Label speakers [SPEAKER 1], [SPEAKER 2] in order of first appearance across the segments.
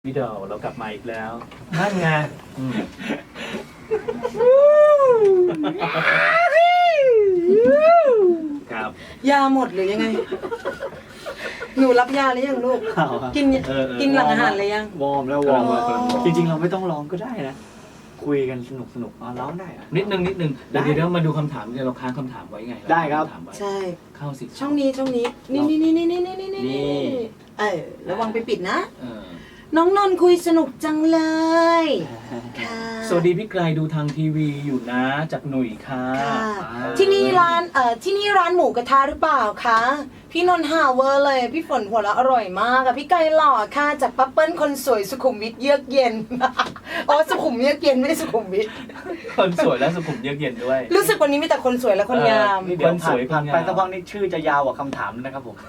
[SPEAKER 1] พี่ดอเรากลับมาอีกแล้วนั่นไงครับ
[SPEAKER 2] ยาหมดหรือยังไง หนูรับยาหรือยังลูก กินกินหลังอาหารเลยยัง
[SPEAKER 3] วอร์มแล้ววอร์มแล้วจริงๆเราไม่ต้องร้องก็ได้นะคุยกันสนุกร้องได้อะ
[SPEAKER 1] นิดนึงเดี๋ยวมาดูคำถามเราค้างคำถามไว้ไง
[SPEAKER 3] ได้ครับ
[SPEAKER 2] ใช่
[SPEAKER 1] เข้าสิ
[SPEAKER 2] ช่องนี้นี่ระวังไปปิดนะน้องนนท์คุยสนุกจังเลยค่ะ
[SPEAKER 1] สวัสดีพี่ไกลดูทางทีวีอยู่นะจากหนุ่ยค่ะ
[SPEAKER 2] ที่นี่ร้านหมูกระทะหรือเปล่าคะพี่นนท์หาเวอร์เลยพี่ฝนหัวเราะอร่อยมากอะพี่ไก่หล่อค่ะจากปั๊บเปิ้ลคนสวยสุขุมวิทเยือกเย็นอ๋อสุขุมเยือกเย็นไม่ได้สุขุมวิท
[SPEAKER 1] คนสวยและสุขุมเยือกเย็นด้วย
[SPEAKER 2] รู้สึกวันนี้มีแต่คนสวยและคนงาม
[SPEAKER 3] เดี๋ยวผ่านไปสักพักนี้ชื่อจะยาวกว่าคำถามนะครับผม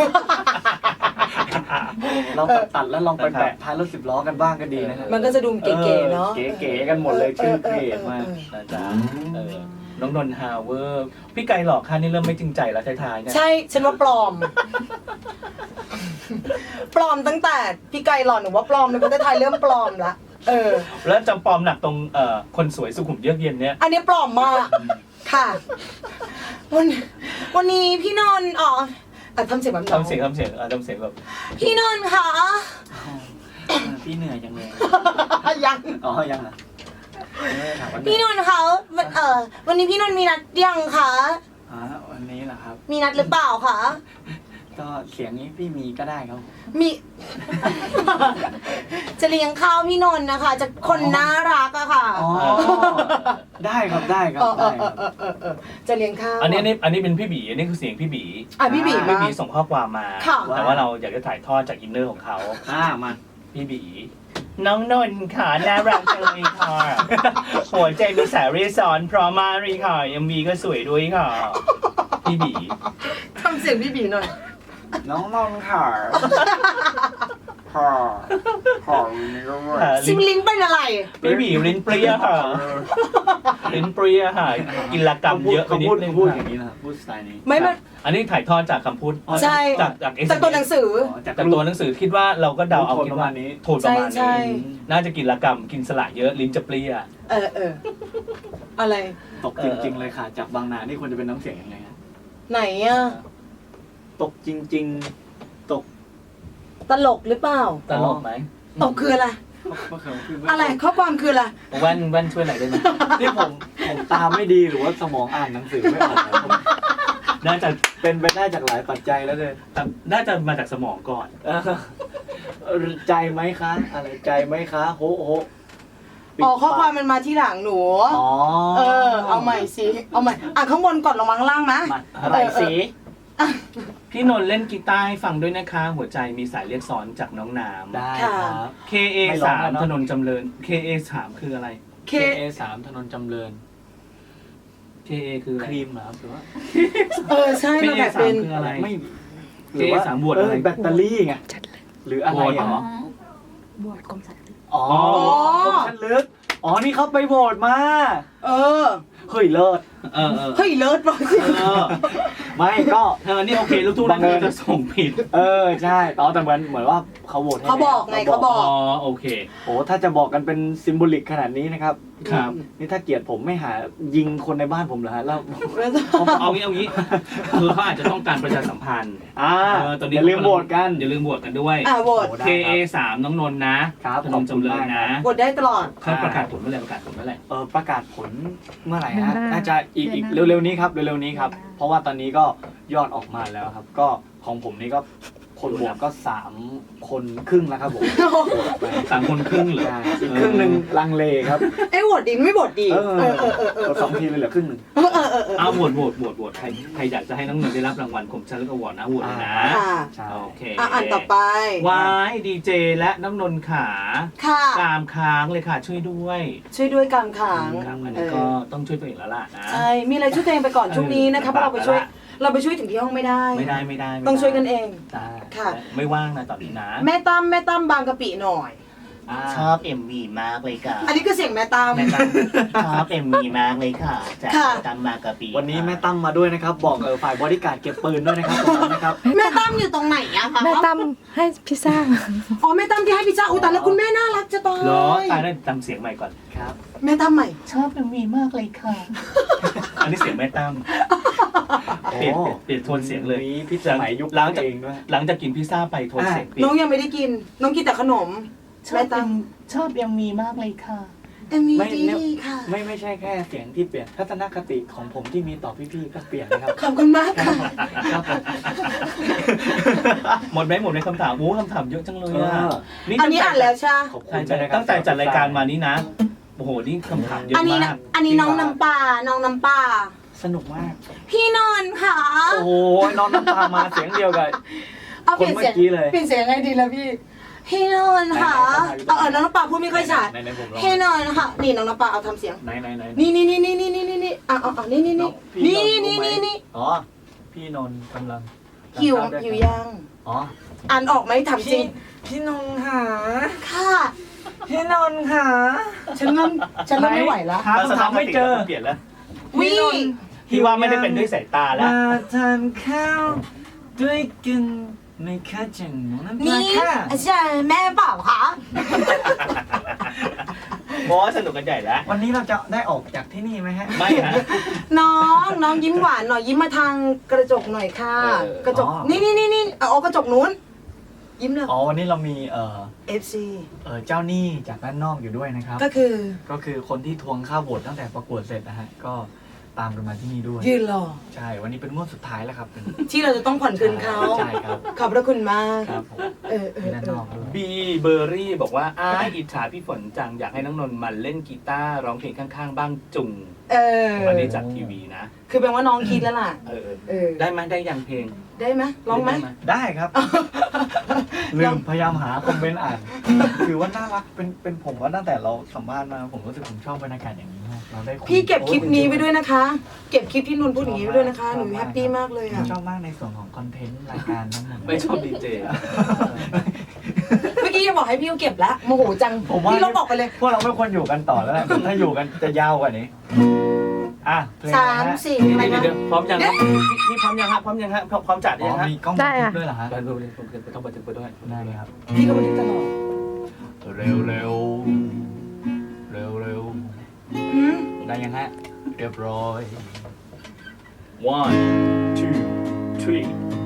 [SPEAKER 3] เราตัดแล้วลองไปแปะท้ายรถ10 ล้อกันบ้างก็ดีนะครับ
[SPEAKER 2] มันก็จะดูเก๋ๆเนาะ
[SPEAKER 3] เก๋ๆกันหมดเลยชื่อเพจมาก
[SPEAKER 1] นะจ๊ะน้องนนท์ฮาวเวอร์พี่ไก่หลอกค่ะนี่เริ่มไม่จริงใจแล้วท้ายๆเนี่ย
[SPEAKER 2] ใช่ฉันว่าปลอมปลอมตั้งแต่พี่ไก่หล่อหนูว่าปลอมในประเทศไทยเริ่มปลอมละ
[SPEAKER 1] แล้วจำปลอมหนักตรงคนสวยสุขุมเยือกเย็นเนี่ย
[SPEAKER 2] อันนี้ปลอมมากค่ะวันนี้พี่นนท์ทำเสียงแบบ
[SPEAKER 1] ทำเสียงแบบ
[SPEAKER 2] พี่นนท์ค่ะ
[SPEAKER 3] พี่เหนื่อยจังเลย
[SPEAKER 2] ยัง
[SPEAKER 3] ยังเหรอ
[SPEAKER 2] พี่นนท์คะวันนี้พี่นนท์มีนัดยังคะ
[SPEAKER 3] วันนี้เหรอครับ
[SPEAKER 2] มีนัดหรือเปล่าคะ
[SPEAKER 3] ก็เสียงนี้พี่มีก็ได้ครับ
[SPEAKER 2] มีจะเลี้ยงข้าวพี่นนท์นะคะจะคนน่ารักอะค่ะ
[SPEAKER 3] ได้ครับ
[SPEAKER 2] จะเลี้ยงข้าว
[SPEAKER 1] อันนี้เป็นพี่บีอันนี้คือเสียงพี่บี
[SPEAKER 2] พี่บี
[SPEAKER 1] ส่งข้อความมาแต่ว่าเราอยากจะถ่ายทอดจากอินเนอร์ของเขา
[SPEAKER 3] มา
[SPEAKER 1] พี่บีน้องนนท์ค่ะน่ารักจังเลยค่ะหัวใจมีสายเรซอนพร้อมมากเลยค่ะยังมีก็สวยด้วยค่ะพี่บี
[SPEAKER 2] ทำเสียงพี่บีหน่อย
[SPEAKER 3] น้องนนท์ค่ะ
[SPEAKER 2] ซิมลิ้นเป็นอะไร
[SPEAKER 1] พี่บีลิ้นเปรี้ยค่ะลิ้นเปรี้ยค่ะกินละกรรมเยอะไปนิดนึง
[SPEAKER 3] พูดอย่างนี้นะพูดสไตล์นี้
[SPEAKER 2] ไม่
[SPEAKER 1] อันนี้ถ่ายทอดจากคำพูด
[SPEAKER 2] ใช่จากตัวหนังสือ
[SPEAKER 1] จากตัวหนังสือคิดว่าเราก็เดาเอาคิดว่านี้โทนประมาณนี้น่าจะกินละกรรมกินสละเยอะลิ้นจะเปรี้ย
[SPEAKER 2] อะไร
[SPEAKER 3] ตกจริงๆเลยค่ะจากบางนานี่ควรจะเป็นน้ำเสียงยังไง
[SPEAKER 2] ไหนอะ
[SPEAKER 3] ตกจริงๆตก
[SPEAKER 2] ตลกหรือเปล่า
[SPEAKER 1] ตลกไหม
[SPEAKER 2] ตกคืออะไรอะไรข้อความคืออะไร
[SPEAKER 1] แว่นช่วยหน่อยได้ไหม
[SPEAKER 3] ที่ผมตามไม่ดีหรือว่าสมองอ่านหนังสือไม่ออก
[SPEAKER 1] น่าจะ
[SPEAKER 3] เป็นไปได้จากหลายปัจจัยแล้วเลย
[SPEAKER 1] น่าจะมาจากสมองก่อน
[SPEAKER 3] ใจไหมคะอะไรใจไหมคะโฮ
[SPEAKER 2] ข้อความมันมาที่หลังหนูเอาใหม่สิเอาใหม่ข้างบนก่อนลงมาข้างล่างนะ
[SPEAKER 3] อะไรสิ
[SPEAKER 1] พี่นนท์เล่นกีตาร์ให้ฟังด้วยนะคะหัวใจมีสายเรียกซ้อนจากน้องน้ำ
[SPEAKER 3] ได้ครับ
[SPEAKER 1] KA3 ถนนจำเริญ KA3 คืออะไร
[SPEAKER 3] KA3 ถนนจำเริญ
[SPEAKER 1] KA คือ
[SPEAKER 3] ครีมเหรอหรือว่า
[SPEAKER 2] ใช่
[SPEAKER 1] มันแบบเป็นอะไรไม่ KA3 บวชอะไร
[SPEAKER 3] แบตเตอรี่ไงหรืออะไร
[SPEAKER 1] หร
[SPEAKER 4] บวชกรมสัตว์
[SPEAKER 3] กรมสัตว์ลึกนี่เขาไปโหวตมาเฮ้ยเลิศ
[SPEAKER 2] เฮ้ยเลิศป่ะ
[SPEAKER 3] ไม่ก็
[SPEAKER 1] นี่โอเคลูกทุ่งนี่จะส่งผิด
[SPEAKER 3] ใช่แต่เหมือนว่าเขาโหวตให้
[SPEAKER 2] เขาบอกไงเขาบอก
[SPEAKER 1] โอเค
[SPEAKER 3] ถ้าจะบอกกันเป็นซิมโบลิกขนาดนี้นะครับนี่ถ้าเกลียดผมไม่หายิงคนในบ้านผมเหรอฮะแล้ว
[SPEAKER 1] เอางี้คือเขาอาจจะต้องการประชาสัมพันธ์
[SPEAKER 3] ตอนนี้อย่าลืมโหวตกัน
[SPEAKER 1] ด้วย
[SPEAKER 2] โหวต
[SPEAKER 1] KA3 น้องนนท์นะถนนจำเริญนะ
[SPEAKER 2] โหวตได้ตลอด
[SPEAKER 1] เขาประกาศผลเมื่อไหร่
[SPEAKER 3] ประกาศผลเมื่อไหร่ฮะน่าจะอีกเร็วๆนี้ครับเพราะว่าตอนนี้ก็ยอดออกมาแล้วครับก็ของผมนี่ก็คนโหวตก็3 คนครึ่งแล้วครับผม
[SPEAKER 1] 3 คนครึ่งเหรอ
[SPEAKER 3] อีกครึ่งนึงลังเลครับ
[SPEAKER 2] โหวตดีไม่โหวตดี
[SPEAKER 3] 2 ทีเลยเหลือครึ่งนึง
[SPEAKER 1] โหวตใครอยากจะให้น้องนนท์ได้รับรางวัลคมชัดและอวอร์ดนะโหวตนะโอเค
[SPEAKER 2] อ่านต่อไป
[SPEAKER 1] วายดีเจและน้องนนท์ขากามค้างเลยค่ะช่วยด้วย
[SPEAKER 2] กามค้าง
[SPEAKER 1] อันนี้ก็ต้องช่วยตัวเองแล้วล่ะนะ
[SPEAKER 2] ใช่มีอะไรช่วยตัวเองไปก่อนช่วงนี้นะครับเราไปช่วยถึงที่ห้องไม่ได้
[SPEAKER 1] ไม่
[SPEAKER 2] ต้องช่วยกันเอง
[SPEAKER 1] ค่ะไม่ว่างนะตอนนี้นะ
[SPEAKER 2] แม่ตั้มบางกะปิหน่อย
[SPEAKER 1] ชอบ MV มากเลยค่ะ
[SPEAKER 2] อันนี้คือเสียงแม่ตาม
[SPEAKER 1] แม่ตั้มชอบ MV มากเลยค่ะจาก
[SPEAKER 2] ค่ะ
[SPEAKER 1] แม่ตั้มมากะปี
[SPEAKER 3] วันนี้แม่ตั้มมาด้วยนะครับบอกฝ่ายบริการดเก็บปืนด้วยนะครับตรงนั้นนะครับ
[SPEAKER 2] แม่ตั้มอยู่ตรงไหนอะคะ
[SPEAKER 4] แม่ตั้มให้พิซซ่า
[SPEAKER 2] อ๋อแม่ตั้มที่ให้พิซซ่าอุ้ยแต่แล้วคุณแม่น่ารักจะตาย
[SPEAKER 1] เหรอตายแล้วจำเสียงใหม่ก่อน
[SPEAKER 3] ครับ
[SPEAKER 2] แม่ตั้มใหม่
[SPEAKER 1] ชอบ MV มากเลยค่ะ อันนี้เสียงแม่ตั้มเปลี่ยนโทนเสียงเลย
[SPEAKER 3] มีพี่สมัยยุค
[SPEAKER 1] หลังจาก
[SPEAKER 3] เองด้วย
[SPEAKER 1] หลังจากกินพิซซ่าไปโทนเสียงเปลี่ย
[SPEAKER 2] น้อน งยังไม่ได้กิน น้องกินแต่ขนม แม่ตั้ม
[SPEAKER 1] ชอบ MV มากเลยค่ะ
[SPEAKER 2] เอ็มวี
[SPEAKER 3] ไม่
[SPEAKER 2] ดีค่ะ
[SPEAKER 3] ไม่ใช่แค่เสียงที่เปลี่ยนทัศนคติของผมที่มีต่อพี่ๆก็เปลี่ยนนะครับ
[SPEAKER 2] ขอบคุณมากค่ะ
[SPEAKER 3] ครับผม
[SPEAKER 1] หมดไหมคำถามคำถามเยอะจังเลยอ่ะ
[SPEAKER 2] อันนี้อ่านแล้วใช่ไหม
[SPEAKER 3] ขอบคุ
[SPEAKER 1] ใช่
[SPEAKER 3] ณ
[SPEAKER 1] ใช่
[SPEAKER 3] นะครับ
[SPEAKER 1] ตั้งแต่จัดรายการมานี่นะ โอ้โห นี่คำถามเยอะ
[SPEAKER 2] อันนี้
[SPEAKER 1] มาก
[SPEAKER 2] อันนี้น้องน้ำปลาน้องน้ำปลา
[SPEAKER 3] สนุกมาก
[SPEAKER 2] พี่นนท์ค่ะ
[SPEAKER 3] โอ้โหน้องน้ำตามาเสียงเดียวกับ
[SPEAKER 2] เอาเปลี่ยนเสียง
[SPEAKER 3] คนเมื่อกี้เลย
[SPEAKER 2] เปลี่ยนเสียงยังไงดีล่ะพี่ พี่นนท์ค่ะน้องน้ำปลาพูดไม่ค่อยชัด
[SPEAKER 3] ไหนๆผมลอง
[SPEAKER 2] พี่นนท์ค่ะ นี่น้องน้ำปลาเอาทำเสียง
[SPEAKER 3] ไหน
[SPEAKER 2] นี่นี่นี่นี่
[SPEAKER 3] อ๋อพี่นนท์กำลัง
[SPEAKER 2] หิวยัง
[SPEAKER 3] อ๋อ
[SPEAKER 2] อ่านออกไหมถามจริง
[SPEAKER 3] พี่นนท์หา
[SPEAKER 2] ค่ะ
[SPEAKER 3] พี่นนท์หา
[SPEAKER 2] ฉันเริ่มไม่ไหวแล้ว
[SPEAKER 3] หาคำถามไม่เจอ
[SPEAKER 1] เปลี่ยนแล้ว
[SPEAKER 2] วิ
[SPEAKER 1] พี่ว่าไม่ได้เป็นด้วยสายตาแล้ว
[SPEAKER 3] มาทานข้าวด้วยกันไม่ค่าจังน้องน้ำปลา
[SPEAKER 2] นี่
[SPEAKER 3] ค่ะ
[SPEAKER 2] อาจารย์แม่เปล่าคะ
[SPEAKER 1] เพราะว่าสนุกกันใหญ่แล้ว
[SPEAKER 3] วันนี้เราจะได้ออกจากที่นี่ไหมฮะ
[SPEAKER 1] ไม่ฮะ
[SPEAKER 2] น้องยิ้มหวานหน่อยยิ้มมาทางกระจกหน่อยค่ะ กระจกนี่เอากระจกนู้นยิ้มเลย
[SPEAKER 3] อ๋อวันนี้เรามี
[SPEAKER 2] FC
[SPEAKER 3] เจ้าหนี้จากด้านนอกอยู่ด้วยนะครับ
[SPEAKER 2] ก็คือ
[SPEAKER 3] ก็คือคนที่ทวงค่าโหวตตั้งแต่ประกวดเสร็จนะฮะก็ตามกันมาที่นี่ด้วย
[SPEAKER 2] ยืนรอ
[SPEAKER 3] ใช่วันนี้เป็นงวดสุดท้ายแล้วครับ
[SPEAKER 2] ที่เราจะต้องผ่อนคืนเขา
[SPEAKER 3] ใช่ครับ
[SPEAKER 2] ขอบพระคุณมาก
[SPEAKER 3] ครับผม มีด้านนอกด้วย
[SPEAKER 1] บีเบอร์รี่บอกว่าอิจฉาพี่ฝนจังอยากให้น้องนนท์มาเล่นกีตาร์ร้องเพลงข้างๆ บ้างจุง อันนี้จากทีวีนะ
[SPEAKER 2] คือแปลว่าน้องคิดแล้วล่ะ
[SPEAKER 1] ได้ไหมได้ยังเพลง
[SPEAKER 2] ได้ไหมร้องไหม
[SPEAKER 3] ได้ครับ ลืมพยายามหาคอมเมนต์อ่าน คือว่าน่ารักเป็นผมว่าตั้งแต่เราสัมภาษณ์มาผมรู้สึกผมชอบบรรยากาศอย่างนี้มากเราได้คุย
[SPEAKER 2] พี่เก็บคลิปนี้ไว้ด้วยนะคะ เก็บคลิปที่นนท์พูดอย่างนี้ไว้ด้วยนะคะ หนูแฮปปี้มากเลย
[SPEAKER 3] ผม
[SPEAKER 2] อ่ะ
[SPEAKER 3] ชอบมากในส่วนของคอนเทนต์รายการทั้งหมด
[SPEAKER 1] ไม่ชอบดีเจ
[SPEAKER 2] เมื่อกี้ยังบอกให้พี่เก็บแล้วโมโหจัง
[SPEAKER 3] ผมว่า
[SPEAKER 2] พี่ลบออกไปเลย
[SPEAKER 3] พวกเราไม่ควรอยู่กันต่อแล้วแหละถ้าอยู่กันจะยาวกว่านี้อ่ะเพลง
[SPEAKER 2] สาม
[SPEAKER 3] นะฮะ
[SPEAKER 2] สี่
[SPEAKER 1] เดี๋
[SPEAKER 2] อะไร
[SPEAKER 1] ยว
[SPEAKER 2] นะ
[SPEAKER 1] เดี๋ยวพร้อมยังครับพี่พร้อมยังฮะพร้อมยังฮะพร้อมจัด
[SPEAKER 3] อ๋
[SPEAKER 1] ยัง
[SPEAKER 3] อ
[SPEAKER 1] ฮะ
[SPEAKER 3] มีกล้อง
[SPEAKER 4] ได้
[SPEAKER 3] บันทึ
[SPEAKER 4] อะ
[SPEAKER 3] กด้วยเหรอฮะ
[SPEAKER 1] ไปดูเลยผมต้องบันทึกไปด้วย
[SPEAKER 3] ได้เลยครับ
[SPEAKER 2] พี่ก็บันทึกตลอด
[SPEAKER 3] เร็วเร็วเร็วเร็ว
[SPEAKER 2] หืม
[SPEAKER 3] ได้ยังฮะเรียบร้อย
[SPEAKER 1] one two three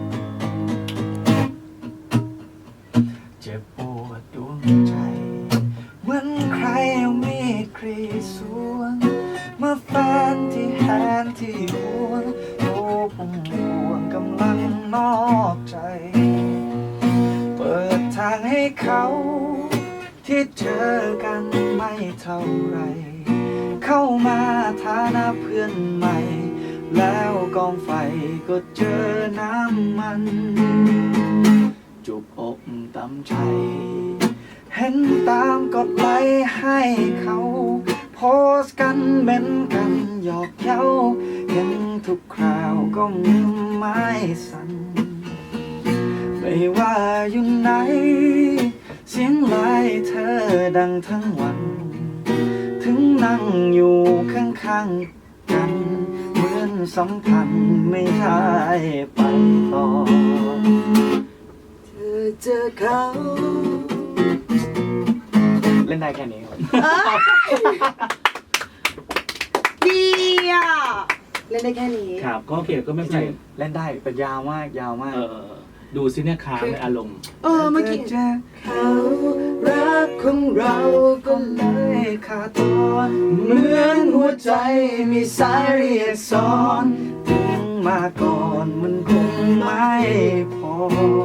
[SPEAKER 3] เจ็บปวดดวงใจเหมือนใครเอามีดกรีดสวงเมื่อแฟนที่แหนที่ห่วงโอ้ผมห่วงกำลังนอกใจ เปิดทางให้เขาที่เจอกันไม่เท่าไร เข้ามาฐานะเพื่อนใหม่ แล้วกองไฟก็เจอน้ำมัน จุบอกตำใจ เห็นตามกดไลค์ให้เขา โพสต์กันเม้นกันหยอกเย้า เห็นทุกคราวก็มือไม้สั่น ไม่ว่าอยู่ไหน เสียงไลน์เธอดังทั้งวัน ถึงนั่งอยู่ข้างๆกัน เหมือนสัมพันธ์ไม่ได้ไปต่อ
[SPEAKER 2] เธอเจอเขา
[SPEAKER 3] เล่นได้แค่นี้ครับ
[SPEAKER 2] ดีอ่ะเล่นได้แค่นี้
[SPEAKER 1] ครับก็โอเคก็ไม่เป็นไร
[SPEAKER 3] เล่นได้เป็นยาวมากยาวมาก
[SPEAKER 1] ดูซิเนี่ยค้างในอารมณ์
[SPEAKER 2] เมื่อกี้
[SPEAKER 3] เจอเขารักของเราก็เลยขาดตอนเหมือนหัวใจมีสายเรียกซ้อนถึงมาก่อนมันคงไม่พอ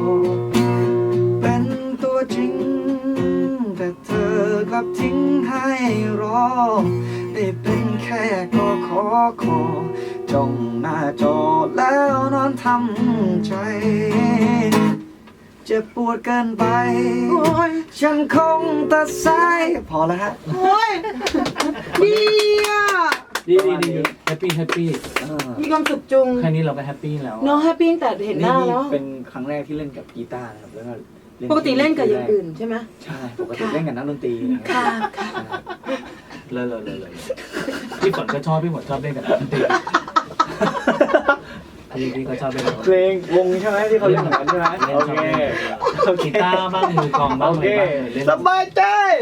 [SPEAKER 3] เป็นตัวจริง แต่เธอกลับทิ้งให้รอ ได้เป็นแค่ก็ขอจ้องหน้าจอแล้วนอนทำใจ เจ็บปวดเกินไป
[SPEAKER 2] โอ้ย
[SPEAKER 3] ฉันคงตัดสายพอแล้วฮะ
[SPEAKER 2] โอ้ยดีอ่ะ
[SPEAKER 1] ดีแฮปปี้
[SPEAKER 2] มีความสุขจุง
[SPEAKER 1] แค่นี้เราก็แฮปปี้แล้ว
[SPEAKER 2] น้องแฮปปี้ตั้งแต่เห็นหน้าแล้ว
[SPEAKER 3] เป็นครั้งแรกที่เล่นกับกีตาร์นะครับแล้วก็
[SPEAKER 2] ปกติเล่นกับอย่างอื่นใช่ไหม
[SPEAKER 3] ใช่ปกติเล่นกับนักดนตรี
[SPEAKER 2] ค่ะค่ะ
[SPEAKER 1] เลยพี่ฝนก็ชอบพี่ฝนชอบเล่นกับดนตรีพี่ก็ชอบเล่นกับ
[SPEAKER 3] เพลงวงใช่ไหมที่เขาเล่นเหมือนกันใช่ไหมโอเคโอเค
[SPEAKER 1] กีตาร์บ้างมือกลองบ้าง
[SPEAKER 3] โอ
[SPEAKER 1] อะไร
[SPEAKER 3] เค
[SPEAKER 1] บ้างเล่น
[SPEAKER 3] สบายใจ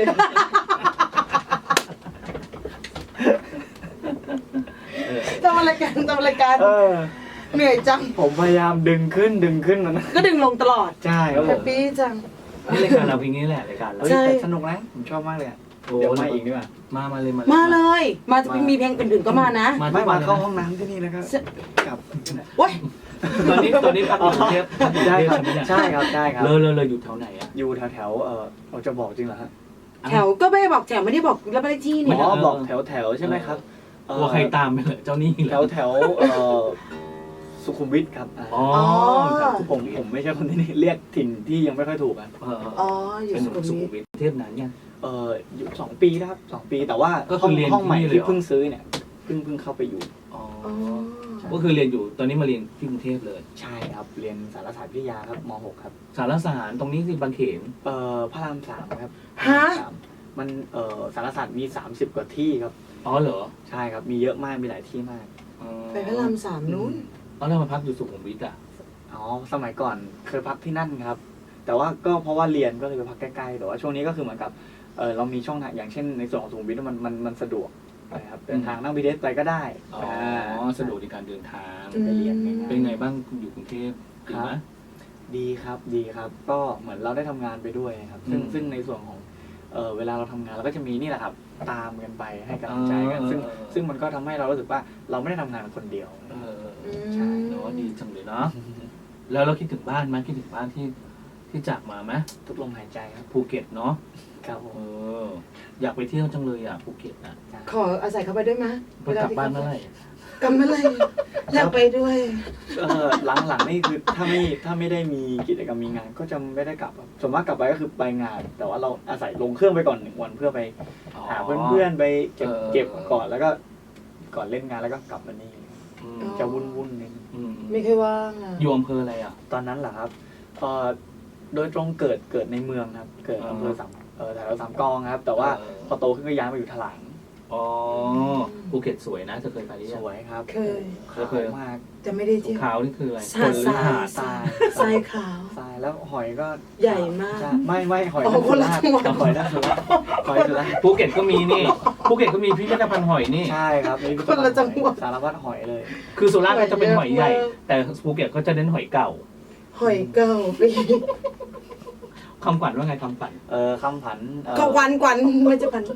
[SPEAKER 2] ทำอะไรกันเหนื่อยจัง
[SPEAKER 3] ผมพยายามดึงขึ้นมัน
[SPEAKER 2] ก็ดึงลงตลอด
[SPEAKER 3] ใช่ครับ
[SPEAKER 2] แฮ
[SPEAKER 3] ผ
[SPEAKER 2] ป
[SPEAKER 3] ม
[SPEAKER 2] ปี้จัง
[SPEAKER 1] นี่รายการเราเพลงนี้แหละรายการเรา
[SPEAKER 3] เฮ้ย
[SPEAKER 2] ใช่
[SPEAKER 3] แต่สนุกนะผมชอบมากเลยอะ
[SPEAKER 1] โอ้
[SPEAKER 3] เดี๋ยวมาอีกดีกว่า
[SPEAKER 1] มาเลย
[SPEAKER 2] มาเลยมาจะมีเพลงอื่นๆก็มานะ
[SPEAKER 3] ไม่มาเข้าห้องน้ำที่นี่นะครับกลับ
[SPEAKER 2] โอ๊ย
[SPEAKER 1] ตอนนี้พักอยู่กรุงเทพ
[SPEAKER 3] ได้ครับใช่ครับได้ครับ
[SPEAKER 1] เลยอยู่แถวไหนอ่ะ
[SPEAKER 3] อยู่แถวเราจะบอกจริงเหรอฮะ
[SPEAKER 2] แถวก็ไม่ได้บอกแถวไม่ได้บอกแล้วไม่ได้ที่
[SPEAKER 3] อ๋
[SPEAKER 2] นี่
[SPEAKER 3] อบอกแถวใช่ไหมครับ
[SPEAKER 1] กลัวใครตามไปเลยเจ้านี่เหรอ
[SPEAKER 3] แถวสุขุมวิทครับ
[SPEAKER 1] อ๋อ
[SPEAKER 3] ผมไม่ใช่คนที่นี่เรียกถิ่นที่ยังไม่ค่อยถูกอ่ะ
[SPEAKER 2] อ๋ออยู่
[SPEAKER 1] เป็น
[SPEAKER 2] สุขุม
[SPEAKER 1] สุ
[SPEAKER 2] วิ
[SPEAKER 1] ขุ
[SPEAKER 2] ท
[SPEAKER 1] มวิทเทพนานยัง
[SPEAKER 3] อยู่2 ปีนะครับ2 ปีแต่ว่า
[SPEAKER 1] ก็คือเรียน
[SPEAKER 3] ห้องใหม่
[SPEAKER 1] ที่นี่เลย
[SPEAKER 3] ที่
[SPEAKER 1] เหรอ
[SPEAKER 3] เพิ่งซื้อเนี่ยเพิ่งเข้าไปอยู่
[SPEAKER 1] อ๋อ
[SPEAKER 2] อ๋อ
[SPEAKER 1] ก็คือเรียนอยู่ตอนนี้มาเรียนที่กรุงเทพเลย
[SPEAKER 3] ใช่ครับเรียนสารศาสตร์วิทยาครับม .6 ครับ
[SPEAKER 1] สารสารตรงนี้คือบางเขน
[SPEAKER 3] พระราม 3ครับ
[SPEAKER 2] ฮะ
[SPEAKER 3] มันสารศาสตร์มี30 กว่าที่ครับ
[SPEAKER 1] อ๋อเหรอ
[SPEAKER 3] ใช่ครับมีเยอะมากมีหลายที่มาก
[SPEAKER 2] ไปพระรามสามนู้น
[SPEAKER 1] ตอนแรกมาพักอยู่สุขุมวิทอ่ะ
[SPEAKER 3] อ๋อสมัยก่อนเคยพักที่นั่นครับ แต่ว่าก็เพราะว่าเรียนก็เลยไปพักใกล้ๆแต่ว่าช่วงนี้ก็คือเหมือนกับเรามีช่องทางอย่างเช่นในส่วนของสุขุมวิทมันสะดวกนะครับเดินทางนั่ง BTS ไปก็ได้
[SPEAKER 1] อ๋อสะดวกในการเดินทาง
[SPEAKER 2] อืม
[SPEAKER 3] ไปเรียนง่ายๆ
[SPEAKER 1] เป็นไงบ้างอยู่กรุงเทพดีไหม
[SPEAKER 3] ดีครับก็เหมือนเราได้ทำงานไปด้วยครับซึ่งในส่วนของเวลาเราทำงานเราก็จะมีนี่แหละครับตามกันไปให้กำลังใจกันซึ่งมันก็ทำให้เรารู้สึกว่าเราไม่ได้ทำงานคนเดียว ใช่
[SPEAKER 1] เนาะดีจังเลยเนาะแล้วเราคิดถึงบ้านไหมคิดถึงบ้านที่จากมาไหม
[SPEAKER 3] ทุกลมหายใจครับ
[SPEAKER 1] ภูเก็ตเนาะ
[SPEAKER 3] ครับผม
[SPEAKER 1] อยากไปเที่ยวจังเลยอ่ะภูเก็ตนะ
[SPEAKER 2] ขออาศัยเข้าไปด้วยไหม
[SPEAKER 1] ไปกลับบ้านเมื่อไหร่
[SPEAKER 2] กลับเมื่อไหร่อยากไปด้วย
[SPEAKER 3] หลังๆนี่คือถ้าไม่ได้มีกิจกรรมมีงานก็จะไม่ได้กลับครับส่วนมากกลับไปก็คือไปงาน แต่ว่าเราอาศัยลงเครื่องไปก่อน1 วันเพื่อไปหาเพื่อนๆไปเก็บก่อนแล้วก็ก่อนเล่นงานแล้วก็กลับมานี่ จะวุ่นๆนิดนึง
[SPEAKER 2] ไม่เคยว่างอ่ะ
[SPEAKER 1] อยู่อำเภออะไรอ่ะ
[SPEAKER 3] ตอนนั้นเหรอครับโดยตรงเกิดในเมืองครับ เกิดอำเภอแถวสามกองครับ แต่ว่าพอโตขึ้นก็ย้ายมาอยู่ถลาง
[SPEAKER 1] อ๋อภูเก็ตสวยนะจะเคยไปหรือ
[SPEAKER 3] ส
[SPEAKER 1] ยัง
[SPEAKER 3] วยครับ
[SPEAKER 2] เคย
[SPEAKER 3] ขาวมาก
[SPEAKER 2] จะไม่ได้เที่ยว
[SPEAKER 1] ขาวนี่คืออะไร
[SPEAKER 2] หาดทราย
[SPEAKER 3] ทราย
[SPEAKER 2] ทรายขาว
[SPEAKER 3] ทรายแล้วหอยก็
[SPEAKER 2] ใหญ่มาก
[SPEAKER 3] ใช่ไม่หอย
[SPEAKER 2] อ๋อคนละจังหวัด
[SPEAKER 3] หอยด้านสุราษฎร์หอยสุราษฎร์
[SPEAKER 1] ภูเก็ตก็มีนี่ภูเก็ตก็มีพิพิธภัณฑ์หอยนี่
[SPEAKER 3] ใช่ครับนี่
[SPEAKER 2] คนละจังหวัด
[SPEAKER 3] สารพัดหอยเลย
[SPEAKER 1] คือสุราษฎร์ก็จะเป็นหอยใหญ่
[SPEAKER 2] เยอะมาก
[SPEAKER 1] แต่ภูเก็ตก็จะเน้นหอยเก่า
[SPEAKER 2] หอยเก่าปี
[SPEAKER 1] คำขวัญว่าไงคำขวัญ
[SPEAKER 3] คำผัน
[SPEAKER 2] ก็กวันไม่จะพัน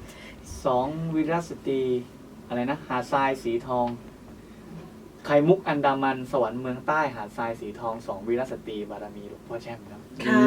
[SPEAKER 3] 2 วีรสตรีอะไรนะหาดทรายสีทองไข่มุกอันดามันสวรรค์เมืองใต้หาดทรายสีทอง2 วีรสตรีบารมีหลวงพ่อแช่มครับ
[SPEAKER 2] ค่ะ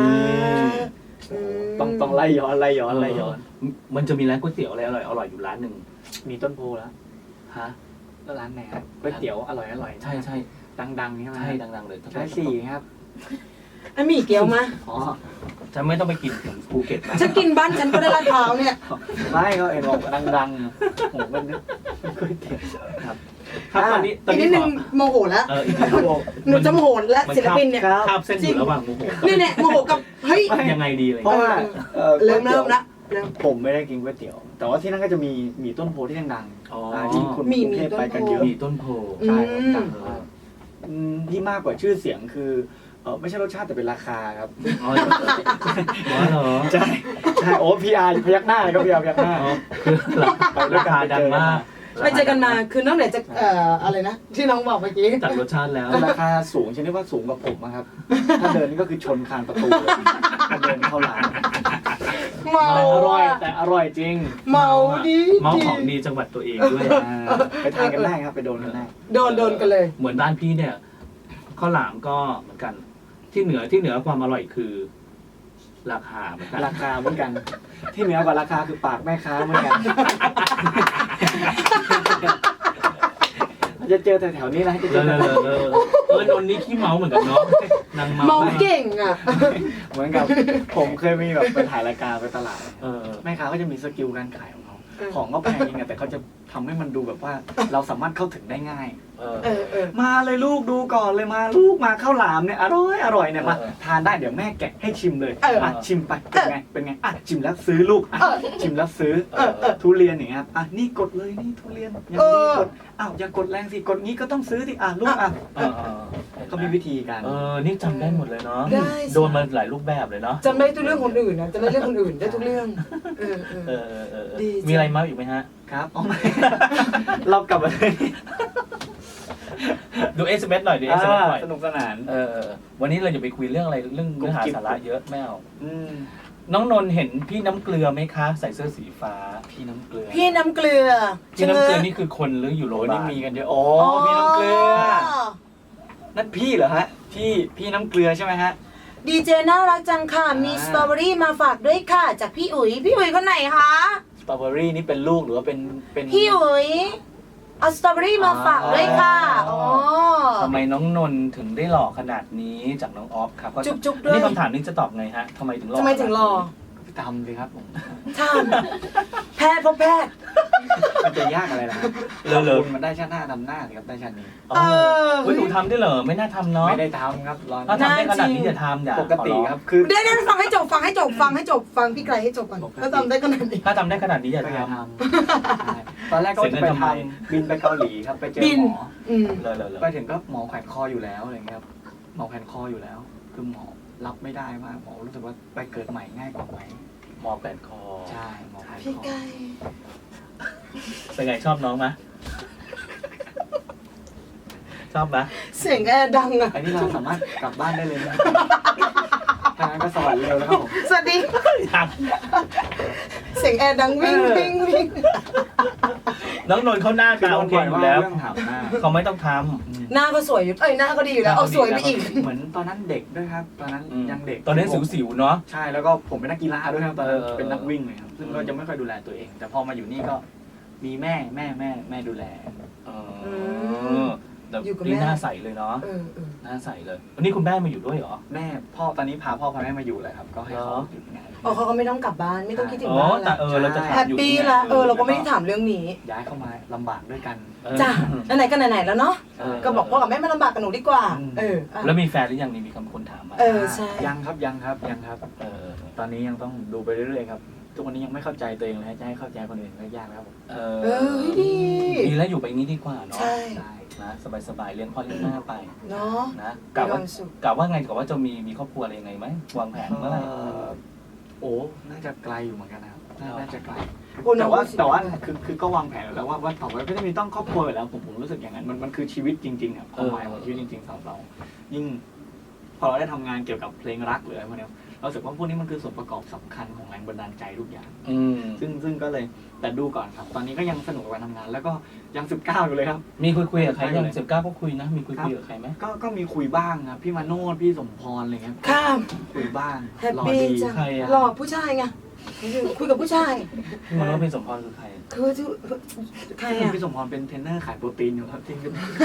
[SPEAKER 3] ต้องไล่ย้อน
[SPEAKER 1] มันจะมีร้านก๋วยเตี๋ยวอะไรอร่อยอยู่ร้านหนึ่ง
[SPEAKER 3] มีต้นโพแล้ว
[SPEAKER 1] ฮะ
[SPEAKER 3] แล้วร้านไหนครับก๋วยเตี๋ยวอร่อย
[SPEAKER 1] ใช่
[SPEAKER 3] ดังๆใช่ไหม
[SPEAKER 1] ใช่ดังๆเลย
[SPEAKER 3] ใช่สี่ครับ
[SPEAKER 2] อันมีเกี๊ยวมา
[SPEAKER 3] อ๋อ
[SPEAKER 1] ฉันไม่ต้องไปกินถึงภูเก็ตนะ
[SPEAKER 2] ฉันกินบ้านฉันก็ได้ลาดพร้าวเนี่ย
[SPEAKER 3] ไม่เขาเห็นบอกดังๆผมก็นึกก๋วยเตี๋ยวครับ
[SPEAKER 1] ครับตอนนี้
[SPEAKER 2] อีกนิดนึงโมโหแล้ว
[SPEAKER 1] อีกนิดนึง
[SPEAKER 2] หนูจะโมโหแล้วศิลปินเนี่ย
[SPEAKER 3] ครับ
[SPEAKER 1] คาบเส้นอยู่ระหว่างโมโห
[SPEAKER 2] เนี่ยโมโหกับเฮ้ย
[SPEAKER 1] ยังไงดีเลย
[SPEAKER 3] เพราะว่า
[SPEAKER 2] เริ่มละเริ่ม
[SPEAKER 3] ผมไม่ได้กินก๋วยเตี๋ยว แต่ว่าที่นั่นก็จะมีต้นโพที่ดัง
[SPEAKER 1] อ๋อ
[SPEAKER 3] ๆที่คนกรุงเทพไปกันเยอะ
[SPEAKER 1] มีต้นโพ
[SPEAKER 3] ใช่ครับดังมากที่มากกว่าชื่อเสียงคือไม่ใช่รสชาติแต่เป็นราคาครับ
[SPEAKER 1] อ๋อเหรอ
[SPEAKER 3] ใช่โอ้พีอาร์พยักหน้าเลยครับพีอาร์พยักหน้า
[SPEAKER 1] อ๋อคือราคาดังมาก
[SPEAKER 2] ไปเจอกันมาคือนอกเหนือจากอะไรนะที่น้องบอกเมื่อกี้
[SPEAKER 1] จากรสชาติแล้ว
[SPEAKER 3] ราคาสูงชนิดว่าสูงกว่าผมอะครับ ถ้าเดินนี่ก็คือชนคานประตูเลยถ้าเดินเข้าร้าน
[SPEAKER 2] เมา
[SPEAKER 3] อร่อยแต่อร่อยจริง
[SPEAKER 2] เมาดี
[SPEAKER 1] เมาของดีจังหวัดตัวเองด้วย
[SPEAKER 3] ไปทานกันได้ครับไปโดนกันได้
[SPEAKER 2] โดนกันเลย
[SPEAKER 1] เหมือนบ้านพี่เนี่ยข้าวหลามก็เหมือนกัน ที่เหนือความอร่อยคือ ราคาเหมือนกัน
[SPEAKER 3] ราคาเหมือนกัน ที่เหนือกว่าราคาคือปากแม่ค้าเหมือนกัน จะเจอแถวๆนี้นะจะเจ
[SPEAKER 1] เล
[SPEAKER 3] อย
[SPEAKER 1] นนท์นี่ขี้เมาเหมือนกันเนาะนาง
[SPEAKER 2] เมา
[SPEAKER 1] เมา
[SPEAKER 2] เก่งอ่ะ
[SPEAKER 3] เหมือนกับผมเคยมีแบบไปถ่ายรายการไปตลาด
[SPEAKER 1] เออ
[SPEAKER 3] แม่ค้าก็จะมีสกิลการขายของเขาของก็แพงจริงอะแต่เขาจะทำให้มันดูแบบว่าเราสามารถเข้าถึงได้ง่าย
[SPEAKER 1] เอ
[SPEAKER 3] มาเลยลูกดูก่อนเลยมาลูกมาข้าวหลามเนี่ยอร่อยเนี่ยมาทานได้เดี๋ยวแม่แกะให้ชิมเลยชิมไปเป็นไงชิมแล้วซื้อลูกชิมแล้วซื้อทุเรียนอย่างเงี้ยครับนี่กดเลยนี่ทุเรียนอย่างนี้กดอย่ากดแรงสิกดงี้ก็ต้องซื้อสิลูกเขามีวิธีการ
[SPEAKER 1] นี่จำได้หมดเลยเนาะโดนมาหลายรูปแบบเลยเนาะ
[SPEAKER 2] จำได้ทุกเรื่องคนอื่นนะจำได้เรื่องคนอื่นได้ทุกเรื่องดี
[SPEAKER 1] มีอะไรมาอีกไหมฮะ
[SPEAKER 3] ครับไม่เรากลับมาเลย
[SPEAKER 1] ดู SMS หน่อยดู SMS หน่อย
[SPEAKER 3] สนุกสนาน
[SPEAKER 1] วันนี้เราอย่าไปคุยเรื่องอะไรเรื่องเนื้อหาสาระเยอะไม่เอา
[SPEAKER 3] น้
[SPEAKER 1] น้องนนท์เห็นพี่น้ำเกลือไหมคะใส่เสื้อสีฟ้า
[SPEAKER 3] พี่น้ำเกลือ
[SPEAKER 2] พี่น้ำเกลือ
[SPEAKER 1] พี่น้ำเกลือนี่คือคนหรืออยู่โรงพ
[SPEAKER 3] โอ้
[SPEAKER 1] ยาบา
[SPEAKER 3] นี่
[SPEAKER 1] ล
[SPEAKER 3] มีกันเยอะพี่น้ำเกลือนั่นพี่เหรอฮะพี่น้ำเกลือใช่ไหมฮะ
[SPEAKER 2] ดีเจน่ารักจังค่ะมีสตรอเบอรี่มาฝากด้วยค่ะจากพี่อุ๋ยคนไหนคะ
[SPEAKER 3] สตรอเบอรี่นี่เป็นลูกหรือว่าเป็น
[SPEAKER 2] พี่อุ๋ยเอาสตรอเบอรี่มาฝากด้วยค่ะอ๋อ
[SPEAKER 1] ทำไมน้องนนท์ถึงได้หล่อขนาดนี้จากน้องออฟครับ
[SPEAKER 2] จุ๊บๆด้วย
[SPEAKER 1] นี่คำถามนี้จะตอบไงฮะทำไมถึงหล่อ
[SPEAKER 2] ทำไมถึงรอ
[SPEAKER 3] ทำสิครับผม
[SPEAKER 2] ทำแพทย์พบแพทย์
[SPEAKER 3] มันจะยากอะไรล่ะ
[SPEAKER 1] เลอะ
[SPEAKER 3] คุณมันได้ชาติหน้าทำหน้าสิครับได้ชาตินี้
[SPEAKER 1] เฮ้ยหนูทำได้เหรอไม่น่าทำเนาะ
[SPEAKER 3] ไม่ได้ทำครับรอ
[SPEAKER 1] ถ้าทำได้ขนาดนี้อย่าทำอย่า
[SPEAKER 3] ปกติครับคือ
[SPEAKER 2] เดี๋ยวฟังให้จบฟังพี่ไกลให้จบก่อนแล้วทำได้ขนาดนี้
[SPEAKER 1] ถ้าทำได้ขนาดนี้อย่า
[SPEAKER 3] ก็
[SPEAKER 1] ท
[SPEAKER 3] อย่าทำตอนแรกก็จะไปทำบินไปเกาหลีครับไปเจอหมอ
[SPEAKER 1] ำเลย
[SPEAKER 3] ไปถึงก็หมอแขวนคออยู่แล้วอะไรเงี้ยครับหมอแขวนคออยู่แล้ว คือหมอรับไม่ได้มากหมอรู้สึกว่าไปเกิดใหม่ง่ายกว่าไหม
[SPEAKER 1] หมอแปดคอ
[SPEAKER 3] ใช่หมอแขวน
[SPEAKER 2] พี่
[SPEAKER 3] คอ
[SPEAKER 2] ไกล
[SPEAKER 1] เป็นไงชอบน้องไหมชอบไหม
[SPEAKER 2] เสียงแอร์ดังอะ
[SPEAKER 3] อันนี้เราสามารถกลับบ้านได้เลยนะทางนั้นก็สวรรค์เร็วแล้วครับผม
[SPEAKER 2] สวัสดีเสียงแอร์ดังวิ่ง
[SPEAKER 1] น้องนนท์เขาหน้าตาโอเคอยู่แล้ว
[SPEAKER 3] เรื่องถามหน้า
[SPEAKER 1] เขาไม่ต้องท
[SPEAKER 2] หน้าก็สวยอยู่หน้าก็ดีอยู่แล้วเอาสวยไปอีก
[SPEAKER 3] เหมือนตอนนั้นเด็กด้วยครับ ตอนนั้น
[SPEAKER 1] ำ
[SPEAKER 3] ยังเด็ก
[SPEAKER 1] ตอนนี้สิวๆเนาะ
[SPEAKER 3] ใช่แล้วก็ผมเป็นนักกีฬาด้วยครับตอนนั้น
[SPEAKER 1] เออ
[SPEAKER 3] เป็นนักวิ่งเลยครับซึ่งก็จะไม่ค่อยดูแลตัวเอง แต่พอมาอยู่นี่ก็มีแม่ดูแล
[SPEAKER 1] แต่
[SPEAKER 2] อยู่กับแม่
[SPEAKER 1] นี่หน้าใสเลยเนาะหน้าใสเลยวันนี้คุณแม่มาอยู่ด้วยเหรอ
[SPEAKER 3] แม่พ่อตอนนี้พาพ่อพาแม่มาอยู่เลยครับ ก็ให้เขาหยุดงาน
[SPEAKER 2] อ๋อเขาก็ไม่ต้องกลับบ้านไม่ต้องคิดถึง
[SPEAKER 1] อ๋อ
[SPEAKER 2] บ้าน
[SPEAKER 1] แต่
[SPEAKER 2] ละ
[SPEAKER 1] เราจะถาม
[SPEAKER 2] แฮป
[SPEAKER 1] อยู่
[SPEAKER 2] ปี้ละเราก็ไม่ได้ถามเรื่องนี้
[SPEAKER 3] ย้ายเข้ามาลำบากด้วยกัน
[SPEAKER 2] จ้ะไหนๆก็ไหนๆแล้วเนาะ ก็บอกพ่อกับแม่มาลำบากกับหนูดีกว่า
[SPEAKER 1] แล้วมีแฟนหรือยังนี่มีคนถามมา
[SPEAKER 2] ใช่
[SPEAKER 3] ยังครับ ตอนนี้ยังต้องดูไปเรื่อยๆครับทุกวันนี้ยังไม่เข้าใจตัวเองเลยจะให้เข้าใจคนอื่นก็ยากแล้วผม
[SPEAKER 2] ดี
[SPEAKER 1] ดีแล้วอยู่ไปงี้ดีกว่าเนาะ
[SPEAKER 2] ใช่
[SPEAKER 1] นะสบายๆเลี้ยงพ่อเลี้ยงแม่ไป
[SPEAKER 2] เนาะ
[SPEAKER 1] นะ
[SPEAKER 2] มี
[SPEAKER 1] กะ
[SPEAKER 2] ค
[SPEAKER 1] ว่าว
[SPEAKER 2] ามสุข
[SPEAKER 1] กะว่าไงกะว่าจะมีครอบครัวอะไรยังไงไหมวางแผนเมื่อไหร่
[SPEAKER 3] โอ้น่าจะไกลอยู่เหมือนกันนะครับน่าจะไกล
[SPEAKER 2] โอ้น้
[SPEAKER 3] แต่
[SPEAKER 2] อง
[SPEAKER 3] ว่าคือก็วางแผนแล้วว่าต่อไปก็จะมีต้องครอบครัวอยู่แล้วผมรู้สึกอย่างนั้นมันคือชีวิตจริงๆครับความหมายของชีวิตจริงๆสำหรับเรายิ่งพอเราได้ทำงานเกี่ยวกับเพลงรักหรืออะไรพวกนี้เราสึกว่าพวกนี้มันคือส่วนประกอบสำคัญของแรงบันดาลใจทุกอย่างซึ่งก็เลยแต่ดูก่อนครับ ตอนนี้ก็ยังสนุกกับการทำงาน แล้วก็ยัง19อยู่เลยครับ
[SPEAKER 1] มีคุยกับใครยัง19ก็คุยนะมีคุยกับใครไหม
[SPEAKER 3] ก็มีคุยบ้างครับพี่มาโนดพี่สมพรอะไรเงี้ย
[SPEAKER 2] ข้าม
[SPEAKER 3] คุยบ้าง
[SPEAKER 2] แฮป
[SPEAKER 3] รอ
[SPEAKER 2] ปี้
[SPEAKER 3] ดี
[SPEAKER 2] จัง
[SPEAKER 1] ใครอะ
[SPEAKER 2] หล่อผู้ชายไงคุยกับผู้ชาย
[SPEAKER 1] พี่มโนพี่สมพรคือใคร
[SPEAKER 2] คือใครอ่ะ
[SPEAKER 3] พี่สมพรเป็นเทรนเนอร์ขายโปรตีนอยู่ครับที่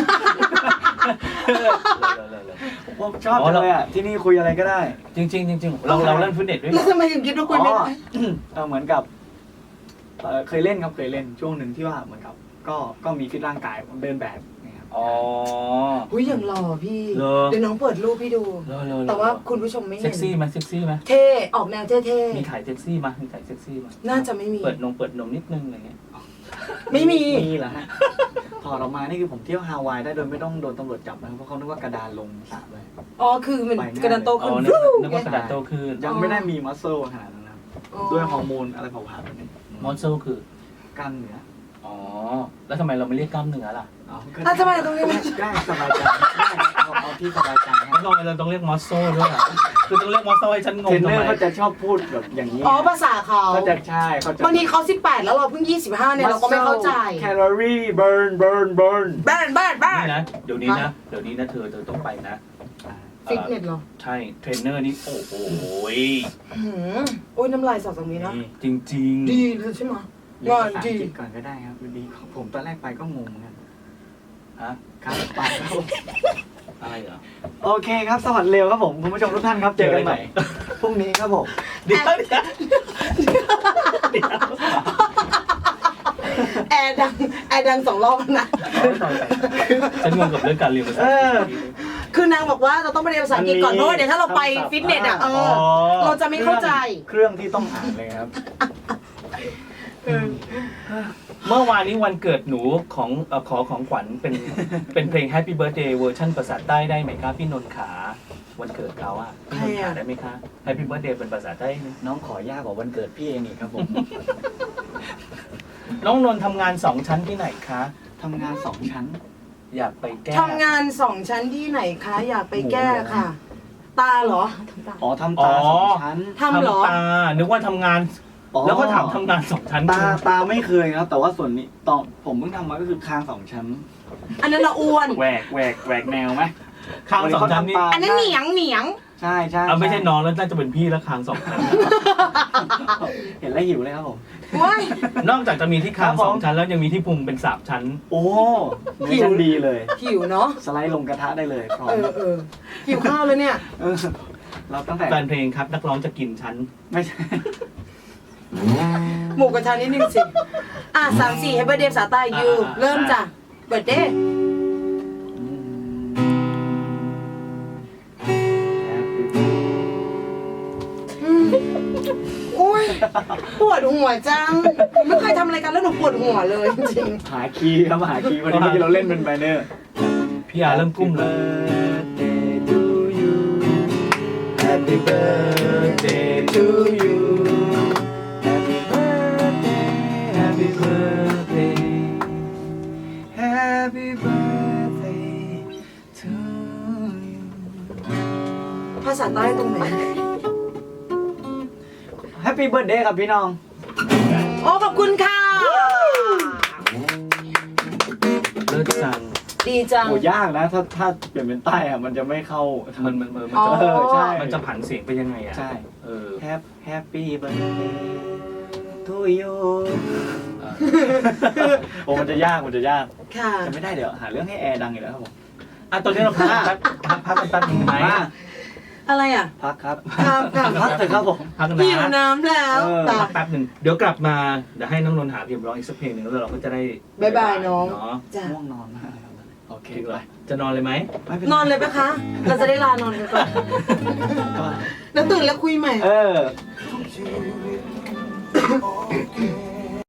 [SPEAKER 3] ผมชอบเลยอ่ะที่นี่คุยอะไรก็ได้
[SPEAKER 1] จริงเราเล่นฟิตเนสด้วย
[SPEAKER 2] แล้วทำไมถึงคิดว่าคุยไม่ได้
[SPEAKER 3] เหมือนกับเคยเล่นครับเคยเล่นช่วงหนึ่งที่ว่าเหมือนกับก็มีฟิตร่างกายเดินแบบนะครับ
[SPEAKER 1] อ๋อ
[SPEAKER 2] อุ้ยอย่างหล่อพี่
[SPEAKER 1] เหรอ
[SPEAKER 2] เดี๋ยวน้องเปิดรูปพี่ดู แต่ว่าคุณผู้ชมไม่
[SPEAKER 1] เซ็
[SPEAKER 2] เห็
[SPEAKER 1] ก
[SPEAKER 2] น
[SPEAKER 1] ซี่ไหมเซ็กซี่ไหม
[SPEAKER 2] เท่ออกแนวเท่
[SPEAKER 1] มีถ่ายเซ็กซี่มั้ยมีถ่ายเซ็กซี่มั้ย
[SPEAKER 2] ๆน่าจะไม่มี
[SPEAKER 1] เปิดนมนิดนึงอะไรเงี้ย
[SPEAKER 2] ไม่มี
[SPEAKER 3] มีเหรอฮะถอดออกมานี่คือผมเที่ยวฮาวายได้โดยไม่ต้องโดนตำรวจจับนะครับเพราะเขานึกว่ากระดานลงสระเลย
[SPEAKER 2] อ๋อคือมันกระดานโต
[SPEAKER 1] อ๋
[SPEAKER 2] ขึ้น
[SPEAKER 1] อนึกว่ากระดาษโตขึ้น
[SPEAKER 3] ยังไม่ได้มีมัสเซลขนาดนั้นนะครับด้วยฮอร์โมนอะไรเผาผลาญแบบนี้
[SPEAKER 1] มอนเซลคือก
[SPEAKER 3] ล้ามเนื้อ
[SPEAKER 1] อ๋อแล้วทำไมเราไม่เรียกกล้ามเนื้อล่ะ
[SPEAKER 2] ทำไมตรงนี้
[SPEAKER 3] ได้สบายใจได้เอาที่สบายใจฮะ
[SPEAKER 1] ทำไมเราต้องเรียกมอสโซด้วยอ่ะคือต้องเรียกมอสโซให้ฉันง
[SPEAKER 3] เท
[SPEAKER 1] ง
[SPEAKER 3] รน
[SPEAKER 1] ทำ
[SPEAKER 3] เนอ
[SPEAKER 1] ไม
[SPEAKER 3] ร์เขาจะชอบพูดแบบอย่างนี้
[SPEAKER 2] อ๋อภาษาเขา
[SPEAKER 3] เขาจะใช่เขาจะ
[SPEAKER 2] บางทีเขา18แล้วเราเพิ่ง25เนี่ยเราก็ไม่เข้าใจ
[SPEAKER 3] แคลอรี่เบิร์น
[SPEAKER 2] บ้าน
[SPEAKER 1] นี่นะเดี๋ยวนี้นะเธอต้องไปนะ
[SPEAKER 2] ฟิตเนสเหรอ
[SPEAKER 1] ใช่เทรนเนอร์นี่โอ้โห
[SPEAKER 2] โอ้ยน้ำลายสอดตรงนี้นะ
[SPEAKER 1] จริง
[SPEAKER 2] ดีเลยใช่ไหม
[SPEAKER 3] เรียนภาษาอังกฤษก่อนก็ได้ครับดีผมตอนแรกไปก็งงเหมือนกัน
[SPEAKER 1] ฮะ
[SPEAKER 3] ครับไปครับผม
[SPEAKER 1] อะไรเหรอ
[SPEAKER 3] โอเคครับสวัสดีเร็วครับผมคุณผู้ชมทุกท่านครับเจอกันใหม่พรุ่งนี้ครับผม
[SPEAKER 1] เดี๋ยว
[SPEAKER 2] แอร์ดังแอร์ดัง2 รอบนะ
[SPEAKER 1] ฉันงงกับเรื่องการเรียนภาษา
[SPEAKER 2] คือนางบอกว่าเราต้องไปเรียนภาษาอังกฤษก่อนเพราะว่าเดี๋ยวถ้าเราไปฟิตเนสอ่ะเราจะไม่เข้าใจ
[SPEAKER 3] เครื่องที่ต้องอ่านเลยครับ
[SPEAKER 1] เมื่อวานนี้วันเกิดหนูของขอของขวัญเป็นเพลง Happy Birthday เวอร์ชันภาษาใต้ได้ไหมคะพี่นนท์ขาวันเกิดเขาอะพี่นนท์ขาได้ไหมคะ Happy Birthday เป็นภาษาใต้ไหม
[SPEAKER 3] น้องขอยากกว่าวันเกิดพี่เองอีกครับผม
[SPEAKER 1] น้องนนท์ทำงาน2 ชั้นที่ไหนคะ
[SPEAKER 3] ทำงาน2 ชั้น
[SPEAKER 1] อยากไปแก้
[SPEAKER 2] ทำงาน2 ชั้นที่ไหนคะอยากไปแก้ค่ะ ตาเหรอ
[SPEAKER 3] อ๋อทำตา2 ชั้น
[SPEAKER 2] ทำเหรอ
[SPEAKER 1] ตานึกว่าทำงาน
[SPEAKER 3] อ๋อ
[SPEAKER 1] แล้วก็ถามทำงาน2 ชั้น
[SPEAKER 3] ตาไม่เคยครับ แต่ว่าส่วนนี้ตอนผมเพิ่งทำมาก็คือคาง2 ชั้น
[SPEAKER 2] อันนั้นเราอ้วน
[SPEAKER 3] แหวกแนวไหม
[SPEAKER 1] คาง2 ชั้นนี่
[SPEAKER 3] เขาทำตา
[SPEAKER 2] อันนั้นเหนียง
[SPEAKER 3] ใช่ใช่
[SPEAKER 1] เอาไม่ใช่น้องแล้วน่าจะเป็นพี่แล้วคาง2 ชั้น
[SPEAKER 3] เห็นแล้วหิวเลยครับผม
[SPEAKER 2] ว้าย
[SPEAKER 1] นอกจากจะมีที่คาง
[SPEAKER 3] ครับผม
[SPEAKER 1] 2 ชั้นแล้วยังมีที่พุงเป็น3 ชั้น
[SPEAKER 3] โอ้เนื้อชั้นดีเลย
[SPEAKER 2] หิวเนาะ
[SPEAKER 3] สไลด์ลงกระทะได้เลยพร้อม
[SPEAKER 2] หิวข้าวแล้วเนี่ย
[SPEAKER 3] เออเราตั้งแต่
[SPEAKER 1] แฟนเพลงครับนักร้องจะกินชั้น
[SPEAKER 3] ไม่ใช่
[SPEAKER 2] หมูกระทะนิดนึงสิ3-4ให้เบอร์เดย์ภาษาใต้ยูเริ่มจ้ะเบิร์ดเดย์โอ้ยปวดหัวจังไม่เคยทำอะไรกันแล้วหนูปวดหัวเลยจริง
[SPEAKER 3] หาคีย์ครับหาคีย์วันนี้เมื่อกี้เราเล่นเป็นไบเนอร์
[SPEAKER 1] พี่อาเริ่มกุ้มเลย
[SPEAKER 3] Happy birthday to you Happy birthday Happy birthday to you
[SPEAKER 2] ภาษาใต้ตรงไหน
[SPEAKER 3] Happy birthday ครับพี่น้อง
[SPEAKER 2] โอ้ขอบคุณค่ะ
[SPEAKER 1] เลิศจัง
[SPEAKER 2] ดีจัง
[SPEAKER 3] โหยากนะถ้าเปลี่ยนเป็นใต้อะมันจะไม่เข้า
[SPEAKER 1] มัน
[SPEAKER 2] อ๋อ
[SPEAKER 1] จะ
[SPEAKER 3] ใช่
[SPEAKER 1] มันจะผันเสียงไปยังไงอ่ะ
[SPEAKER 3] ใช่
[SPEAKER 1] เออ
[SPEAKER 3] Happy birthday to you โอ้มันจะยาก
[SPEAKER 2] ค่ะ
[SPEAKER 3] จะไม่ได้เดี๋ยวหาเรื่องให้แอร์ดังอีกแล้วครับผม
[SPEAKER 1] อ่ะตอนนี้เราพักกันแป๊บนึงไหม
[SPEAKER 3] มา
[SPEAKER 2] อะไรอ่ะ
[SPEAKER 3] พักครับ
[SPEAKER 2] ครับค่ะ
[SPEAKER 3] พักเถอะครับผม
[SPEAKER 1] พักนะ
[SPEAKER 2] หิวน้ำแล้ว
[SPEAKER 3] เออ
[SPEAKER 2] จ้ะ
[SPEAKER 1] พักแป๊บหนึ่งเดี๋ยวกลับมาเดี๋ยวให้น้องนนท์หาเพลงร้องอีกสักเพลงหนึ่งแล้วเราก็จะได้
[SPEAKER 2] บ๊ายบายน้อง
[SPEAKER 1] เนาะ
[SPEAKER 2] จ้ะ
[SPEAKER 3] ง่วงนอนมากครับโอเค
[SPEAKER 1] คิด
[SPEAKER 3] ไป
[SPEAKER 1] ว่าจะนอนเลยไหม
[SPEAKER 3] ไม่เป็นไร
[SPEAKER 2] นอนเลยปะคะ เราจะได้ลานอนกันก่อน
[SPEAKER 3] ก็
[SPEAKER 2] แล้วตื่นแล้วคุยใหม่
[SPEAKER 3] เออ